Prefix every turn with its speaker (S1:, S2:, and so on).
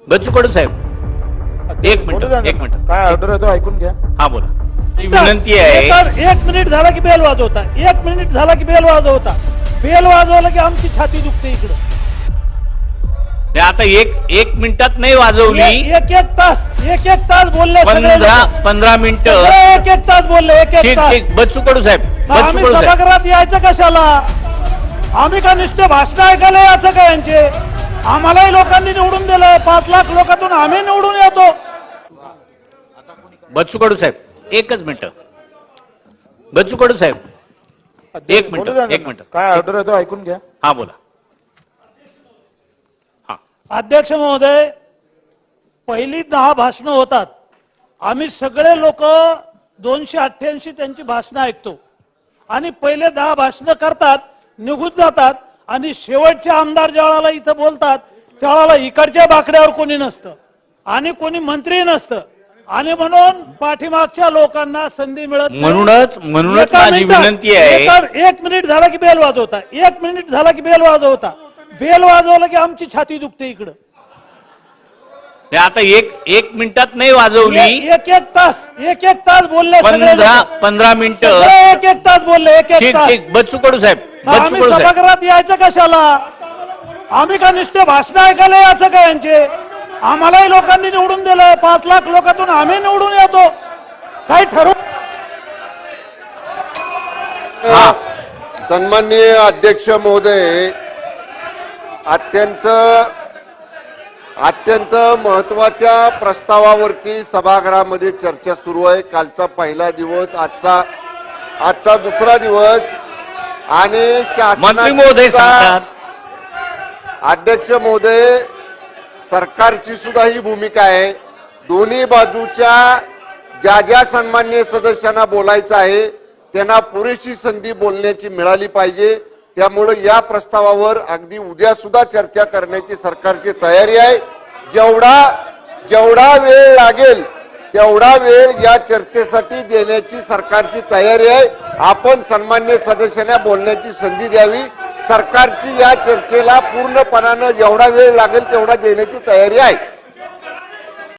S1: बच्चू कडू साहेब एक मिनिट
S2: काय ऑर्डर आहे तो ऐकून घ्या.
S1: हा बोला. ही विनंती आहे.
S3: 1 मिनिट झाला की बेल वाजवता, 1 मिनिट झाला की बेल वाजवता, बेल वाजवलं की आमची छाती दुखते इकडं.
S1: आता एक मिनिटात नाही वाजवली.
S3: एक तास बोलले,
S1: 15 मिनिटं,
S3: एक तास बोलले, एक तास.
S1: बच्चू कडू साहेब,
S3: आम्ही सभागृहात यायचं कशाला? आम्ही का नुसते भाषण ऐकायला यायचं का यांचे? आम्हालाही लोकांनी निवडून दिलं, 5 लाख लोकांतून आम्ही निवडून येतो.
S1: बच्चू कडू साहेब एकच मिनिट. बच्चू कडू साहेब एक मिनिट.
S2: काय ऑर्डर आहे तो ऐकून घ्या.
S1: हा बोला.
S3: अध्यक्ष महोदय, पहिली 10 भाषणं होतात. आम्ही सगळे लोक 288 त्यांची भाषणं ऐकतो आणि पहिले 10 भाषणं करतात, निघून जातात आणि शेवटचे आमदार ज्यावेळेला इथं बोलतात त्यावेळेला इकडच्या बाकड्यावर कोणी नसतं आणि कोणी मंत्री नसतं आणि म्हणून पाठीमागच्या लोकांना संधी मिळत नाही.
S1: म्हणूनच माझी विनंती आहे.
S3: 1 मिनिट झाला की बेल वाजवता, 1 मिनिट झाला की बेल वाजवता, बेल वाजवलं की आमची छाती दुखते इकडं.
S1: आता एक मिनिटात नाही वाजवली.
S3: एक तास बोलले,
S1: 15 मिनिटं,
S3: एक तास बोलले, एक तास.
S1: बच्चू कडू साहेब,
S3: आम्ही सभागृहात यायचं कशाला? आम्ही का नुसते भाषण ऐकायला यायचं का यांचे? आम्हालाही लोकांनी निवडून दिलं, 5 लाख लोकांतून आम्ही निवडून येतो. काही ठरवू.
S4: सन्माननीय अध्यक्ष महोदय, अत्यंत महत्वाच्या प्रस्तावावरती सभागृहामध्ये चर्चा सुरू आहे. कालचा पहिला दिवस, आजचा दुसरा दिवस आणि
S1: मंत्री महोदय सांगतात.
S4: अध्यक्ष महोदय, सरकारची सुद्धा ही भूमिका आहे. दोन्ही बाजूच्या ज्या सन्माननीय सदस्यांना बोलायचं आहे त्यांना पुरेशी संधी बोलण्याची मिळाली पाहिजे. त्यामुळे या प्रस्तावावर अगदी उद्या सुद्धा चर्चा करण्याची सरकारची तयारी आहे. जेवढा वेळ लागेल तेवढा वेळ या चर्चेसाठी देण्याची सरकारची तयारी आहे. आपण सन्माननीय सदस्यांना बोलण्याची संधी द्यावी. सरकारची या चर्चेला पूर्णपणानं जेवढा वेळ लागेल तेवढा देण्याची तयारी आहे.